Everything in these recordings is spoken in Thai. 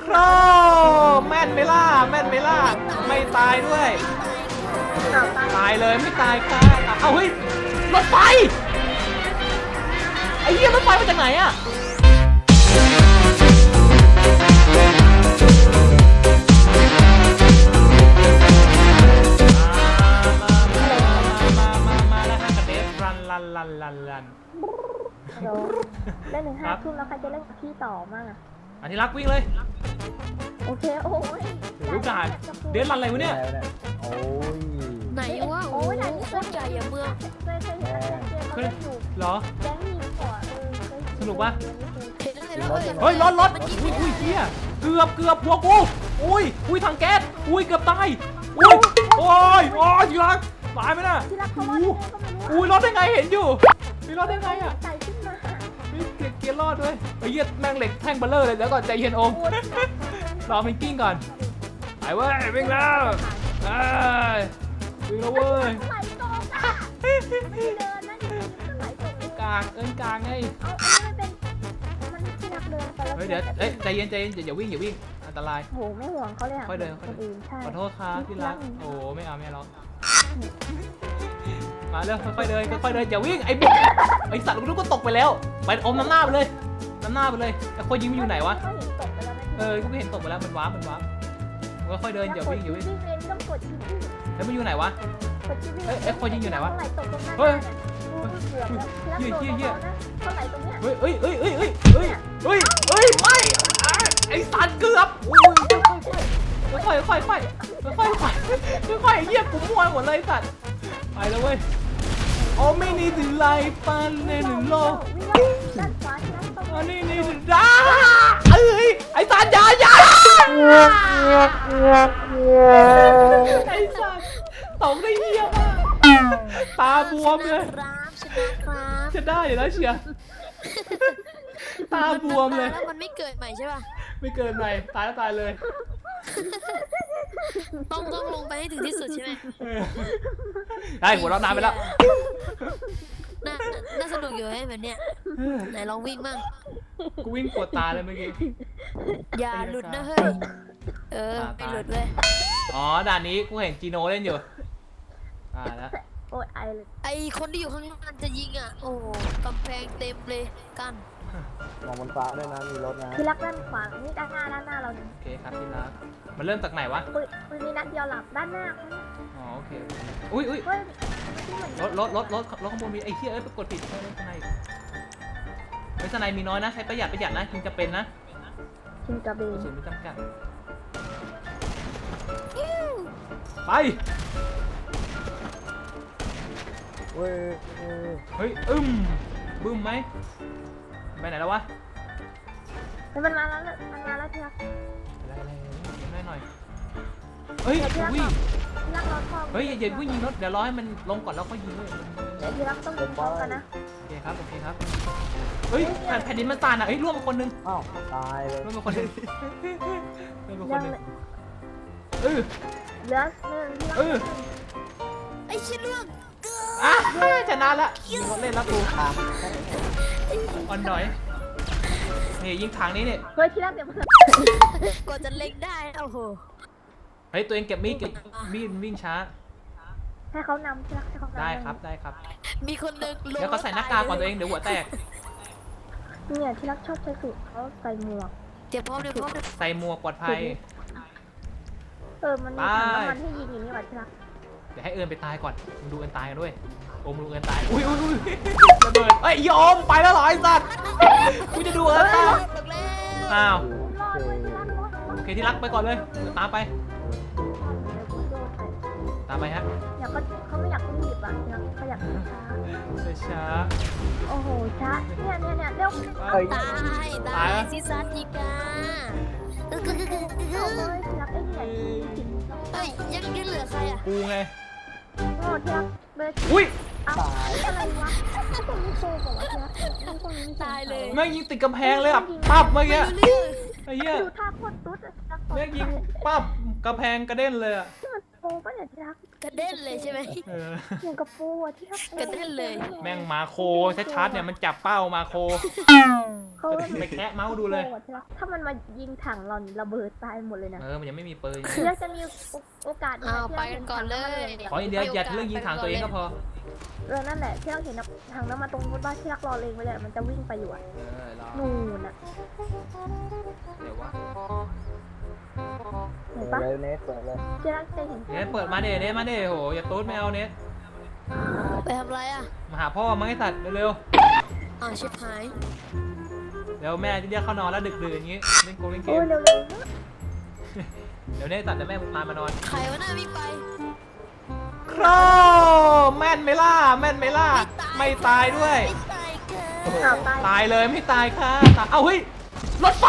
ครแม่นไหมล่ะแม่นไหมล่ะไม่ตายด้วยตายเลยไม่ตายค่ะเอาเฮ้ยรถไฟไอ้เหี้ยรถไฟมาจากไหนอะมาแล้วฮะกับเดฟรันเล่นถึง5 ทุ่มแล้วใครจะเล่นกับพี่ต่อมั่งอ่ะอันที่รักวิ่งเลยโอเคโอ้ยรู้การเดฟรันอะไรวะเนี่ยโอ้ยไหนวะโอ้ยโคตรใหญ่อะเมืองเคยเห็นเกมเขาเล่นอยู่เหรอแก๊งยิงหัวสนุกปะเห็นแล้วเฮ้ยรถอุ้ยเฮียเกือบหัวกูอุ้ยถังแก๊สอุ้ยเกือบตายโอ้ยทีรักตายไหมน่ะอุ้ยรอดได้ไงเห็นอยู่มีรอดได้ไงอ่ะไก่ขึ้นมาเกียร์รอดด้วยไอ้เหี้ยแม่งเหล็กแท่งเบลเลอร์เลยแล้วก่อนใจเย็นโอมรอมันกิ้งก่อนไปเว้ยวิ่งแล้ววิ่งแล้วเว้ยไหลตรงอ่ะเดินนะไหลตรงกลางไงมันที่รักเดินไปแล้วเดี๋ยวใจเย็นอย่าวิ่งอันตรายโหไม่ห่วงเขาเลยอ่ะค่อยเดินขอโทษครับที่รักโอ้ไม่เอาหรอกมาเร็วค่อยๆเดินอย่าวิ่งไอ้บุ๊กไอ้สัตว์ลูกก็ตกไปแล้วไปอมน้ำหน้าไปเลยแต่คนยิงมันอยู่ไหนวะกูเห็นตกไปแล้วมันว้าก็ค่อยเดินอย่าวิ่งแล้วมันอยู่ไหนวะคนยิงอยู่ไหนวะเฮ้ยเไม่ไอ้สัตว์เกือบค่อยเหี้ยกูมั่วหมดเลยสัตว์ไปแล้วเว้ยโอ้ไม่นี่ถึงไล่ปันในหนึ่งโลอันนี้ถึงด้าไอ้สัตว์อย่าไอ้สัตว์ตกได้เหี้ยมากตาบวมเลยจะได้อยู่แล้วเชียร์ตาบวมเลยแล้วมันไม่เกิดใหม่ใช่ป่ะไม่เกิดใหม่ตายแล้วตายเลยต้องลงไปให้ถึงที่สุดใช่ไหมได้หัวเราะนานไปแล้วน่าสนุกอยู่ไอ้แบบเนี้ยไหนลองวิ่งมั่งกูวิ่งปวดตาเลยเมื่อกี้อย่าหลุดนะเฮ้ยไม่หลุดเว้ยอ๋อด่านนี้กูเห็นจีโน่เล่นอยู่แล้วไอคนที่อยู่ข้างล่างจะยิงอ่ะโอ้กำแพงเต็มเลยกันมองบนฟ้าด้วยนะมีรถนะที่รักด้านขวานี่ด้านหน้าเราโอเคครับที่รักมันเริ่มจากไหนวะปืนนี้นัดเดียวหลับด้านหน้าอ๋อโอเคอุ้ยรถข้างบนมีไอ้เหี้ยกดผิดใช่ไหมสไนมีน้อยนะใช้ประหยัดนะกินจะเป็นนะกินกระเบนสูงไม่จำกัดไปเฮ้ยบึ้มไหมไปไหนแล้ววะมันมาแล้วที่รักอะไรหน่อยเฮ้ยวิ่งเฮ้ยอย่าวิ่งยิงรถเดี๋ยวรอให้มันลงก่อนแล้วค่อยยิงเลยที่รักต้องยิงพร้อมกันนะโอเคครับเฮ้ยแผ่นดินมันสั่นอ่ะเฮ้ยร่วงคนนึงอ้าวตายเลยร่วงคนนึงเหลือ1 ไอ้ชิ้นร่วงชนะละยิงรถเล่นแล้วกูอ่อนหน่อยนี่ยิงทางนี้เนี่ยเฮ้ยที่รักเดี๋ยวกดจะเล็งได้โอ้โหเฮ้ยตัวเองเก็บมีดวิ่งช้าให้เขานำที่รักให้เขานำได้ครับมีคนนึงเดี๋ยวเขาใส่หน้ากากก่อนตัวเองเดี๋ยวหัวแตกเนี่ยที่รักชอบใช้สูตรเขาใส่หมวกเดี๋ยวพร้อมใส่หมวกปลอดภัยมันมีถังน้ำมันให้ยิงอย่างนี้ว่ะที่รักเดี๋ยวให้เอิญไปตายก่อนมึงดูเอิญตายกันด้วยโอมดูเอิญตายอุ้ยระเบิดเอ้ยโอมไปแล้วเหรอไอ้สัตว์กูจะดูเอิญตายอ้าวโอเคที่รักไปก่อนเลยตามไปฮะเขาไม่อยากรีบอ่ะเขาอยากช้าโอ้โหช้าเนี่ยเร็วตายซิซัสอีกายังเหลือใครอ่ะกูไงโอ้ที่รักอุ้ยอะไรวะคนนี้โกงบอกว่าที่รักตายเลยแม่งยิงติดกำแพงเลยอ่ะปั๊บเมื่อกี้ไอ้เหี้ยดูท่าโคตรตุ๊ดแม่งยิงปั๊บกำแพงกระเด็นเลยอ่ะปูป่ะเนี่ยที่รักกระเด็นเลยใช่ไหมเอออย่างกับปูอะที่รักกระเด็นเลยแม่งมาโคชัดๆเนี่ยมันจับเป้ามาโคเขาไปแคะเมาส์ดูเลยที่รักถ้ามันมายิงถังเรานี่ระเบิดตายหมดเลยนะมันยังไม่มีปืนที่รักจะมีโอกาสเอาไปกันก่อนเลยขออย่างเดียวอย่าเรื่องยิงถังตัวเองก็พอนั่นแหละที่รักเห็นถังน้ำมาตรงนู้นบ้านที่รักรอเลงไว้เลยมันจะวิ่งไปอยู่อะรอนู่นอะเดี๋ยววะเห็นเปิปะดเลยเนสเปิดเลยที่รักจะเห็นเนทเปิดมาเด้เนทมาเด้โหอย่าตูดไม่เอาเนทไปทำไรอ่ะมาหาพ่อมาให้สัตว์เร็วอ้าวชิบหายๆเดี๋ยวแม่จะเรียกเข้านอนแล้วดึกๆอย่างงี้เล่นเกโอ้มยเร็วเดี๋ยวเนทสัตว์จะแม่พามานอนใครวะน่าวิ่งไปครแม่นไหมล่ะแม่นไหมล่ะไม่ตายด้วยไม่ตายค่ะๆอ้าวตายตายเลยไม่ตายค่ะเอาเฮ้ยรถไฟ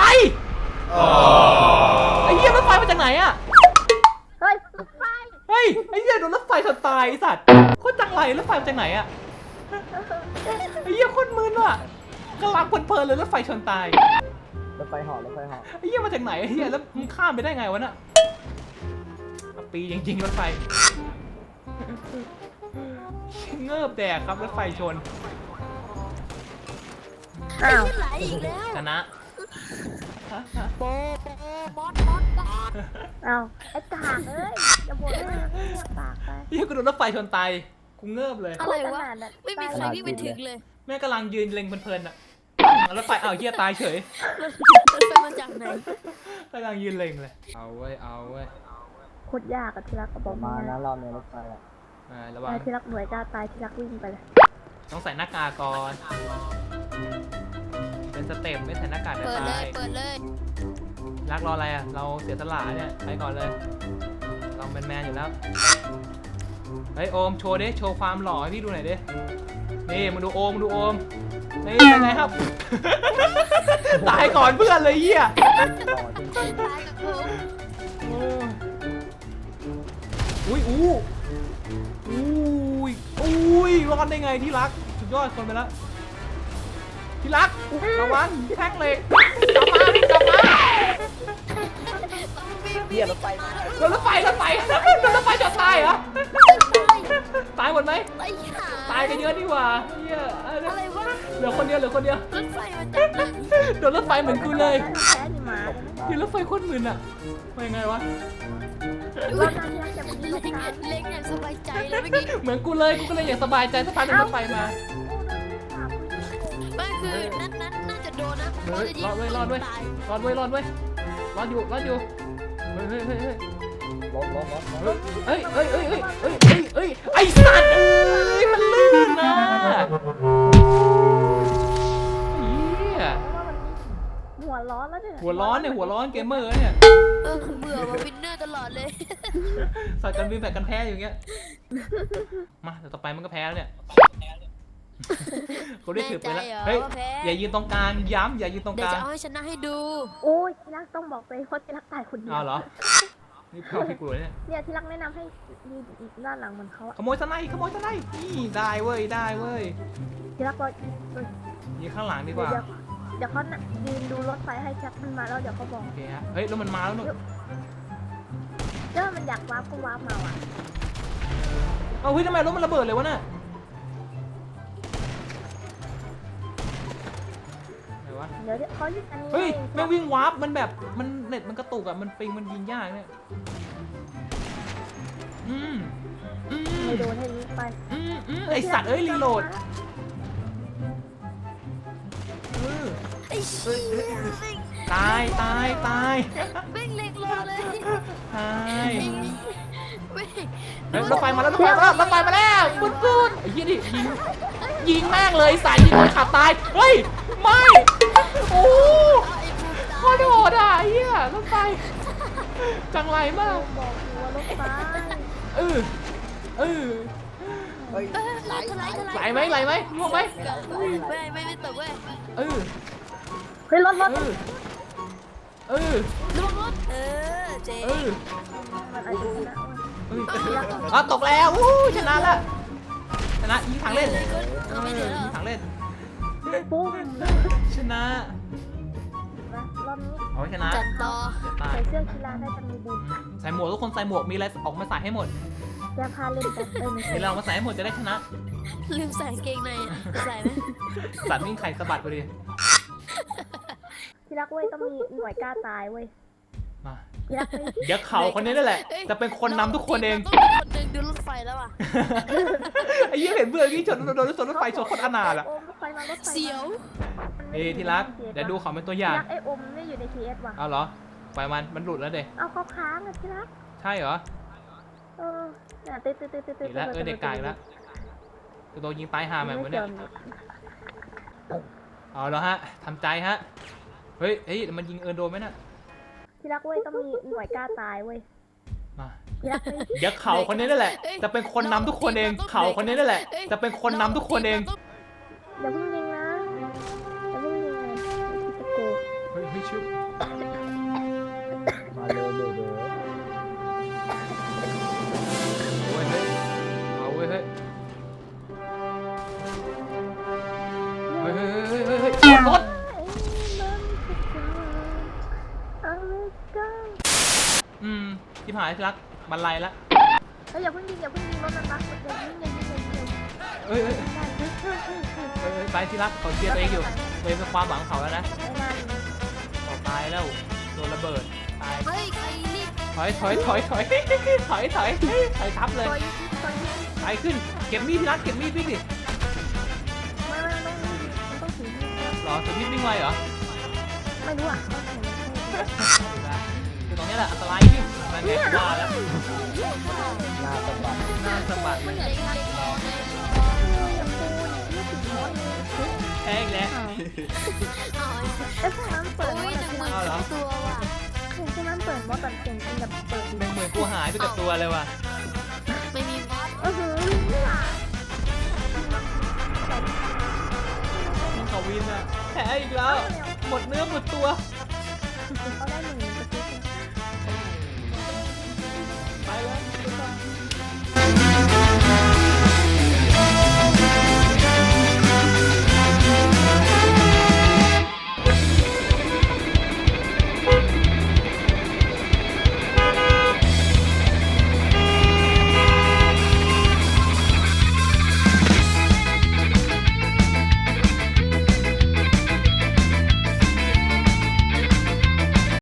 ไอ้เหี้ยรถไฟมาจากไหนอะเฮ้ยรถไฟเฮ้ยไอ้เหี้ยโดนรถไฟชนตายไอ้สัตว์โคตรจังไรรถไฟมาจากไหนอะไอ้เหี้ยโคตรมึนว่ะกำลังเพลินๆเลยรถไฟชนตายรถไฟเหาะรถไฟเหาะไอ้เหี้ยมาจากไหนไอ้เหี้ยแล้วมึงข้ามไปได้ไงวะน่ะปีจริงๆรถไฟเงิบแดกครับรถไฟชนอ้าวไอ้ไหลอีกแล้วชนะโปมอดอ้าวไอ้กากเอ้ยอย่าบ่นเลยปากไปเหี้ยกูโดนรถไฟชนตายกูเงิบเลยอะไรวะ ไม่มีใครวิ่งไปถึงเลยแม่กำลังยืนเล็งเพลินๆอ่ะรถไฟเอาวเหี้ยตายเฉยรถไฟมาจากไหนกำลังยืนเล็งเลยเอาเว้ยเอาเว้ยโคตรยากอะที่รักก็บปอกระมามาณนะนั้นรอบในรถไฟอ่ะระวังที่รักหน่วยกล้าตายที่รักวิ่งไปเลยต้องใส่หน้ากากก่อนเป็นสเต็ปไม่ใส่หน้ากากจะเปิดเลตาย ยเปิดเลยรักรออะไรอ่ะเราเสียสละเนี่ยไปก่อนเลยเราเป็นแมนอยู่แล้วเฮ้ยโอมโชว์ดิโชว์ความหล่อให้พี่ดูหน่อยดินี่มาดูโอมดูโอมนี่เป็นไงครับ ตายก่อนเพื่อนเลยเหี้ยต่อจริงตายกับผมอุ้ยอุ้ยรอดได้ไงที่รักสุดยอดคนไปแล้วที่รักระวังแท็กเหล็กกลับมาๆเฮียรถไฟมาโดนรถไฟจนตายเหรอตายหมดไหมไอ้ห่าตายกันเยอะดีกว่าเฮียอะไรวะเหลือคนเดียวรถไฟมาจากไหนโดนรถไฟเหมือนกูเลยแพ้นี่มาที่รถไฟโคตรมึนอ่ะว่ายังไงวะรอบหน้าที่รักจะไปยิงเล็งกันเล็งอย่างสบายใจเลยเมื่อกี้เหมือนกูเลยกูก็เลยอยากสบายใจสักพักหนึงรถไฟมาไม่คือนั้นน่าจะโดนนะเฮ้ยรอดด้วยรอดด้วยตายรอดอยู่เฮ้ยรถเอ้ยไอ้สัตว์เอ้ยมันลื่นนะเฮียหัวร้อนแล้วเนี่ยหัวร้อนเกมเมอร์เนี่ยเบื่อมาวินเนอร์ตลอดเลยสัตว์กันวินแบบกันแพ้อยู่เงี้ยมาแต่ต่อไปมันก็แพ้แล้วเนี่ยกูได้ถือไปแล้วแน่ใจเหรอเฮ้ยว่าแพ้อย่ายืนตรงกลางย้ำอย่ายืนตรงเดี๋กยวลางจะเอาให้ชนะให้ดูโอ้ยที่รักต้องบอกเลยเพราะที่รักตายคนเดียวเอาเหรอนี่เพื่อนพี่กูเนี่ยเนี่ยที่รักแนะนำให้ยืนอีกด้านหลังเหมือนเขาอะขโมยสไนนี่ได้เว้ยที่รักก็ยืนข้างหลังดีกว่าเดี๋ยวเขาน่ะยืนดูรถไฟให้ชักมันมาแล้วเดี๋ยวเขาบอกโอเคฮะเฮ้ยแล้วมันมาแล้วนู่นถ้ามันอยากวาร์ปก็วาร์ปมาว่ะเอาเฮ้ยทำไมรถมันระเบิดเลยวะน่ะไหนวะเดี๋ยวเขายึดอันนี้เฮ้ยให้แม่งวิ่งวาร์ปมันแบบมันเน็ตมันกระตุกอะมันปิงมันยิงยากเนี่ยอืมไม่โดนให้ยิงไปไอสัตว์เอ้ยรีโหลดไอ้เชี่ยตายแม่งเล็งรอเลยตายแม่งเฮ้ยรถไฟมาแล้วปุ้นไอ้เหี้ยดิยิงแม่งเลยสายยิงคนขับตายเฮ้ยไม่โอ้เอาไอ้บูมตายโคตรโหดอ่ะไอ้เหี้ยรถไฟจังไรมากบอกหัวรถไฟเออเฮ้ยไหลไหลไหมล่วงไหมไม่ตกเว้ยเออเฮ้ยรถระวังรถเจ๊มันอาจจะชนะอ๋อตกแล้วชนะละชนะยิงถังเล่นเอาไม่เหลือยิงถังเล่นปุ้มชนะรอบอบนี้เอาไว้ชนะจัดต่อจะตายใส่เสื้อกีฬาได้จะมีบุญใส่หมวกทุกคนใส่หมวกมีอะไรออกมาใส่ให้หมดยาพาเล่นแบบไม่มีใช่อะไรออกมาใส่ให้หมดจะได้ชนะลืมใส่กางเกงในอ่ะใส่ไหมสัตว์วิ่งไข่สะบัดไปดิที่รักเว้ยต้องมีหน่วยกล้าตายเว้ยมาที่รักเว้ยเดี๋ยวเขาคนนี้นั่นแหละอ้ยจะเป็นคนนำทุกคนเองราต้องมีคนหนึ่งดูรถไฟแล้วอ่ะไอ้ยี่เห็นเบื่อกี้ชนโดนรถไฟชนคนอนาถอะโอมรถไฟมารถไฟมาเสียวมันไม่เอ้ยที่รักเดี๋ยวดูเขาเป็นตัวอย่างที่รักไอโอมไม่อยู่ใน TS ว่ะเอาเหรอปล่อยมันหลุดแล้วเด็เอาเขาค้างอะที่รักใช่เหรอเออเนี่ยตึ๊ดตึ๊ดตึ๊ดตึ๊ดตึ๊ดอีกแล้วเด็กกายแล้วตัวโดนยิงตายห่าแบบนี้เนี่ยเอาแล้วฮะทำใจฮะเฮ้ยมันยิงโดนไหมน่ะที่รักเว้ยต้องมีหน่วยกล้าตายเว้ยมาที่รักเว้ยเดี๋ยวเขาคนนี้นั่นแหละ จะเป็นคนนำทุกคนเองเขาคนนี้นั่นแหละ จะเป็นคนนำทุกคนเองอย่าเพิ่งยิงนะอย่าเพิ่งยิงเลยจะโกงเฮ้ยชุบมาเร็วเร็วเร็วโอ้ยเฮ้ยเอาเว้ยเฮ้ยรถ ที่หายที่รักบันไลละเฮ้ยอย่าเพิ่งยิงรถมันรักอย่ายิงเอ้ยไปที่รักเขาเชียร์ตัวเองอยู่ตัวเองเป็นความหวังเขาแล้วนะไอ้นั่นเขาตายแล้วโดนระเบิดตายเฮ้ยใครรีบถอยทับเลยตัวยิงไปขึ้นเก็บมีดที่รักเก็บมีดวิ่งดิไม่ต้องถือมีดหรอถือมีดวิ่งไวเหรอไม่รู้อ่ะคือตรงนี้แหละอันตรายจริงนั่นไงว่าแล้วหน้าสะบัดหน้าสะบัดเล็กๆรอเลยแพ้อีกแล้วเอาไอ้พวกนั้นเปิดโอ้ย1,000ตัวว่ะพวกนั้นเปิดมอตันเก่งจริงแบบเปิด 10,000กูหายไปกับตัวเลยว่ะไม่มีมอสนี่หว่าเขาวินอะแพ้อีกแล้ว หมดเนื้อหมดตัวเขาได้1